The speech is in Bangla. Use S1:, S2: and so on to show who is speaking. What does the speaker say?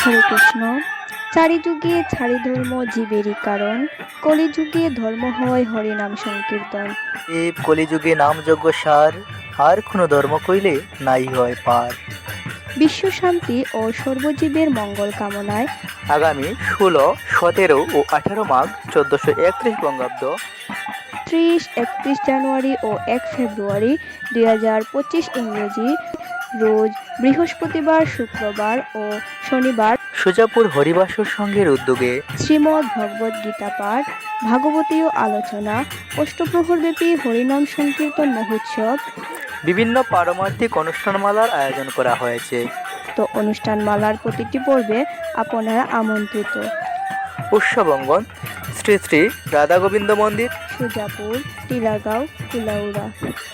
S1: হরে কৃষ্ণ। চারিযুগে ছাড়ি ধর্ম জীবেরই কারণ, কলিযুগে ধর্ম হয় হরিনাম সংকীর্তন।
S2: দেব কলিযুগে নামযজ্ঞ সার, আর কোনো ধর্ম কইলে নাই হয় পার।
S1: বিশ্ব শান্তি ও সর্বজীবের মঙ্গল কামনায়
S2: আগামী 16, 17 ও 18 মাঘ 1431 বঙ্গাব্দ
S1: 30, 31 জানুয়ারি ও 1 ফেব্রুয়ারি 2025 ইংরেজি রোজ বৃহস্পতিবার, শুক্রবার ও শনিবার
S2: সুজাপুর হরিবাসর সংঘের উদ্যোগে
S1: শ্রীমদ্ ভগবদ গীতা পাঠ, ভাগবতীয় আলোচনা, অষ্টপ্রহরব্যাপী হরিনাম সংকীর্তন মহোৎসব,
S2: বিভিন্ন পারমার্থিক অনুষ্ঠানমালার আয়োজন করা হয়েছে।
S1: তো অনুষ্ঠানমালার প্রতিটি পর্বে আপনারা আমন্ত্রিত।
S2: উৎসবঙ্গন শ্রী শ্রী রাধা গোবিন্দ মন্দির,
S1: সুজাপুর, টিলাগাঁও, কুলাউড়া।